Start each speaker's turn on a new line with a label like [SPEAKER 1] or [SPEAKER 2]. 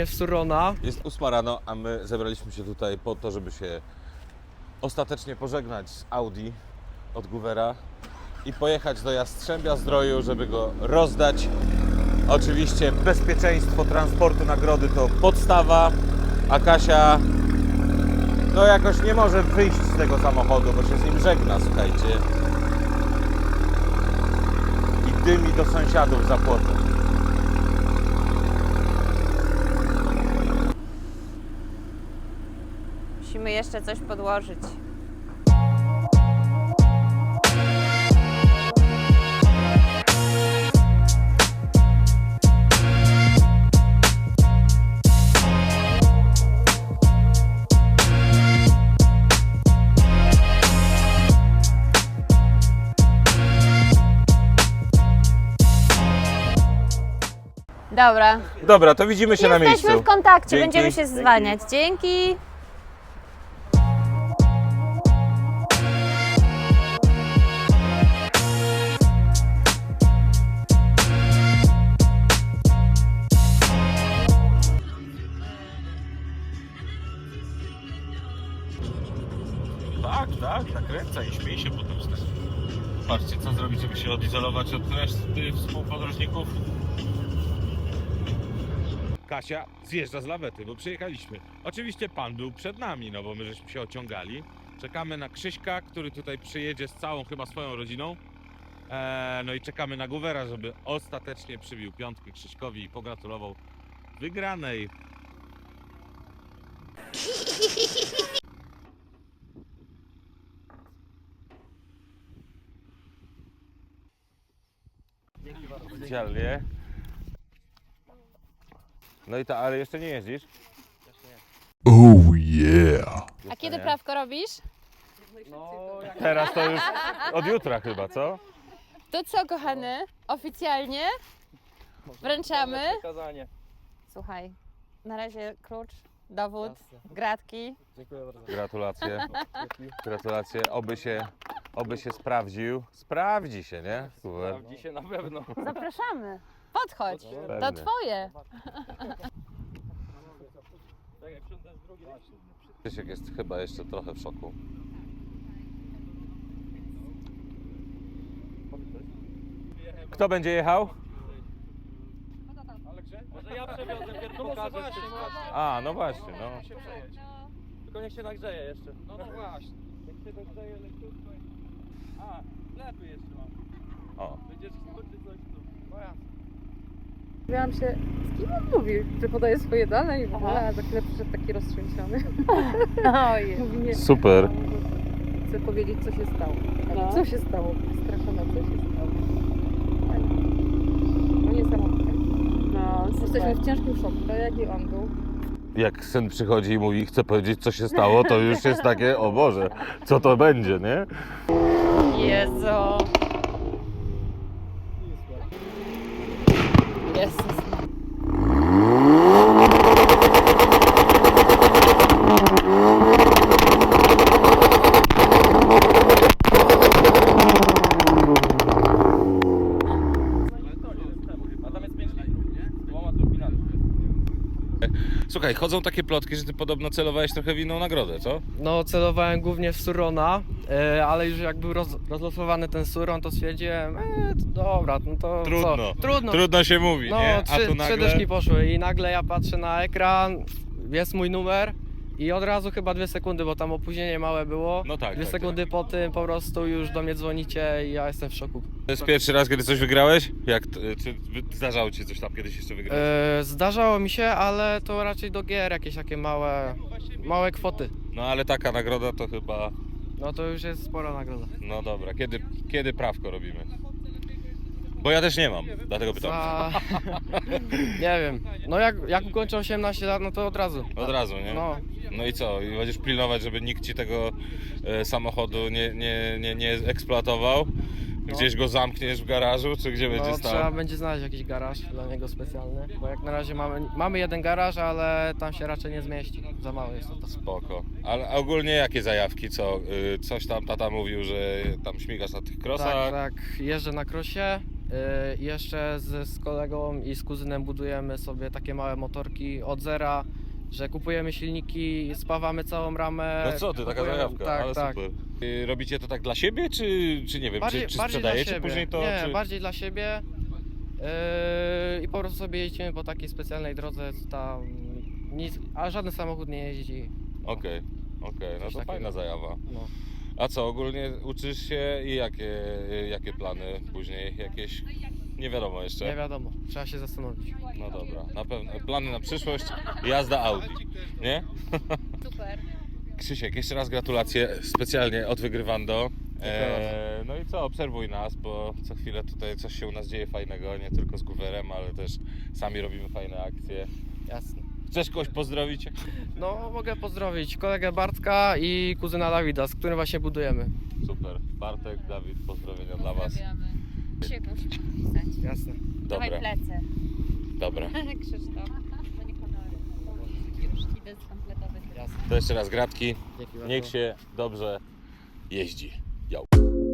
[SPEAKER 1] głównie w Surona.
[SPEAKER 2] Jest 8 rano, a my zebraliśmy się tutaj po to, żeby się ostatecznie pożegnać z Audi od Goovera i pojechać do Jastrzębia Zdroju, żeby go rozdać. Oczywiście bezpieczeństwo transportu nagrody to podstawa, a Kasia no jakoś nie może wyjść z tego samochodu, bo się z nim żegna, słuchajcie. I dymi do sąsiadów za płotem.
[SPEAKER 3] Musimy jeszcze coś podłożyć. Dobra.
[SPEAKER 2] Dobra, to widzimy się na miejscu.
[SPEAKER 3] Jesteśmy w kontakcie,
[SPEAKER 2] Dzięki.
[SPEAKER 3] będziemy się zwalniać. Dzięki.
[SPEAKER 2] Tak, nakręca i śmiej się potem z tego. Patrzcie, co zrobić, żeby się odizolować od reszty współpodróżników. Kasia zjeżdża z lawety, bo przyjechaliśmy. Oczywiście pan był przed nami, no bo my żeśmy się ociągali. Czekamy na Krzyśka, który tutaj przyjedzie z całą chyba swoją rodziną. No i czekamy na Goovera, żeby ostatecznie przybił piątkę Krzyśkowi i pogratulował wygranej. Oficjalnie. No i ale jeszcze nie jeździsz?
[SPEAKER 4] Oh yeah.
[SPEAKER 3] A kiedy prawko robisz?
[SPEAKER 2] Teraz to już od jutra chyba, co?
[SPEAKER 3] To co, kochany? Oficjalnie wręczamy. Słuchaj, na razie klucz, dowód, gratki.
[SPEAKER 2] Gratulacje. Gratulacje. Oby się sprawdził. Sprawdzi się, nie? Super.
[SPEAKER 5] Sprawdzi się na pewno.
[SPEAKER 3] Zapraszamy. Podchodź, to
[SPEAKER 2] Pewnie.
[SPEAKER 3] twoje.
[SPEAKER 2] Krzysiek jest chyba jeszcze trochę w szoku. Kto będzie jechał?
[SPEAKER 5] Może ja przewiozę, pierwszy pokażę wszystko.
[SPEAKER 2] A, no właśnie, no.
[SPEAKER 5] Tylko niech się nagrzeje jeszcze. No właśnie. Niech się nagrzeje leciutko. A, lepiej jeszcze mam.
[SPEAKER 2] O.
[SPEAKER 5] Będziesz skończyć coś tu. No ja.
[SPEAKER 6] Zastanawiałam się, z kim on mówi, że podaje swoje dane i w ogóle, a za chwilę przyszedł taki roztrzęsiony.
[SPEAKER 3] Ojej.
[SPEAKER 6] Mówi nie,
[SPEAKER 2] Super.
[SPEAKER 6] chcę powiedzieć, co się stało.
[SPEAKER 3] No.
[SPEAKER 6] Co się stało? Straszona, co się stało. No niesamowite.
[SPEAKER 3] No,
[SPEAKER 6] Jesteśmy w ciężkim szoku, tak jaki on był.
[SPEAKER 2] Jak syn przychodzi i mówi, chce powiedzieć, co się stało, to już jest takie, o Boże, co to będzie, nie?
[SPEAKER 3] Jezu. Jezus.
[SPEAKER 5] A tam jest 5 litrów, nie? Z 2 turbinami.
[SPEAKER 2] Słuchaj, chodzą takie plotki, że ty podobno celowałeś trochę w inną nagrodę, co?
[SPEAKER 1] No, celowałem głównie w Surona, ale już jak był rozlosowany ten Suron, to stwierdziłem, to dobra, no to
[SPEAKER 2] Trudno.
[SPEAKER 1] co? Trudno.
[SPEAKER 2] Trudno się mówi,
[SPEAKER 1] No,
[SPEAKER 2] nie? A
[SPEAKER 1] trzy
[SPEAKER 2] tu nagle...
[SPEAKER 1] dyszki poszły i nagle ja patrzę na ekran, jest mój numer i od razu chyba 2 sekundy, bo tam opóźnienie małe było.
[SPEAKER 2] No tak,
[SPEAKER 1] 2
[SPEAKER 2] tak,
[SPEAKER 1] sekundy po tym po prostu już do mnie dzwonicie i ja jestem w szoku.
[SPEAKER 2] To jest pierwszy raz, kiedy coś wygrałeś? Czy zdarzało ci coś tam kiedyś jeszcze wygrać?
[SPEAKER 1] Zdarzało mi się, ale to raczej do gier jakieś takie małe kwoty.
[SPEAKER 2] No ale taka nagroda to chyba...
[SPEAKER 1] No to już jest spora nagroda.
[SPEAKER 2] No dobra, kiedy prawko robimy? Bo ja też nie mam, dlatego pytam.
[SPEAKER 1] Nie wiem. No jak ukończę 18 lat, no to od razu.
[SPEAKER 2] Od razu, nie?
[SPEAKER 1] No.
[SPEAKER 2] No i co? I będziesz pilnować, żeby nikt ci tego samochodu nie eksploatował? Gdzieś go zamkniesz w garażu, czy gdzie będzie
[SPEAKER 1] No,
[SPEAKER 2] stał?
[SPEAKER 1] trzeba będzie znaleźć jakiś garaż dla niego specjalny, bo jak na razie mamy jeden garaż, ale tam się raczej nie zmieści. Za mało jest to.
[SPEAKER 2] Spoko. Ale ogólnie jakie zajawki? Co? Coś tam tata mówił, że tam śmigasz na tych krosach?
[SPEAKER 1] Tak, jeżdżę na krosie, I jeszcze z kolegą i z kuzynem budujemy sobie takie małe motorki od zera, że kupujemy silniki, spawamy całą ramę.
[SPEAKER 2] No co ty, taka
[SPEAKER 1] kupujemy-
[SPEAKER 2] zajawka,
[SPEAKER 1] tak,
[SPEAKER 2] ale
[SPEAKER 1] tak.
[SPEAKER 2] super. Robicie to tak dla siebie, czy nie wiem,
[SPEAKER 1] Bardziej,
[SPEAKER 2] czy
[SPEAKER 1] bardziej dla
[SPEAKER 2] sprzedajecie
[SPEAKER 1] siebie.
[SPEAKER 2] później to?
[SPEAKER 1] Nie,
[SPEAKER 2] Czy...
[SPEAKER 1] bardziej dla siebie. I po prostu sobie jeździmy po takiej specjalnej drodze, tam nic, a żaden samochód nie jeździ.
[SPEAKER 2] Okej, no
[SPEAKER 1] Coś
[SPEAKER 2] to
[SPEAKER 1] takiego.
[SPEAKER 2] fajna zajawa.
[SPEAKER 1] No.
[SPEAKER 2] A co, ogólnie uczysz się i jakie plany później? Jakieś, nie wiadomo jeszcze.
[SPEAKER 1] Nie wiadomo, trzeba się zastanowić.
[SPEAKER 2] No dobra, na pewno plany na przyszłość, jazda Audi, nie?
[SPEAKER 3] Super.
[SPEAKER 2] Krzysiek, jeszcze raz gratulacje specjalnie od Wygrywando.
[SPEAKER 1] Dziękuję
[SPEAKER 2] No i co, obserwuj nas, bo co chwilę tutaj coś się u nas dzieje fajnego, nie tylko z Guwerem, ale też sami robimy fajne akcje.
[SPEAKER 1] Jasne.
[SPEAKER 2] Chcesz kogoś pozdrowić?
[SPEAKER 1] No, mogę pozdrowić kolegę Bartka i kuzyna Dawida, z którym właśnie budujemy.
[SPEAKER 2] Super, Bartek, Dawid, pozdrowienia dla Was.
[SPEAKER 3] Pozdrawiamy. Się musi pisać.
[SPEAKER 1] Jasne.
[SPEAKER 3] Dawaj
[SPEAKER 2] Dobra,
[SPEAKER 3] plecy.
[SPEAKER 2] dobra.
[SPEAKER 3] Krzysztof. To nie honory. Już idę skompletować.
[SPEAKER 1] Jasne.
[SPEAKER 2] To jeszcze raz gratki,
[SPEAKER 1] Dzięki bardzo.
[SPEAKER 2] niech się dobrze jeździ. Yo.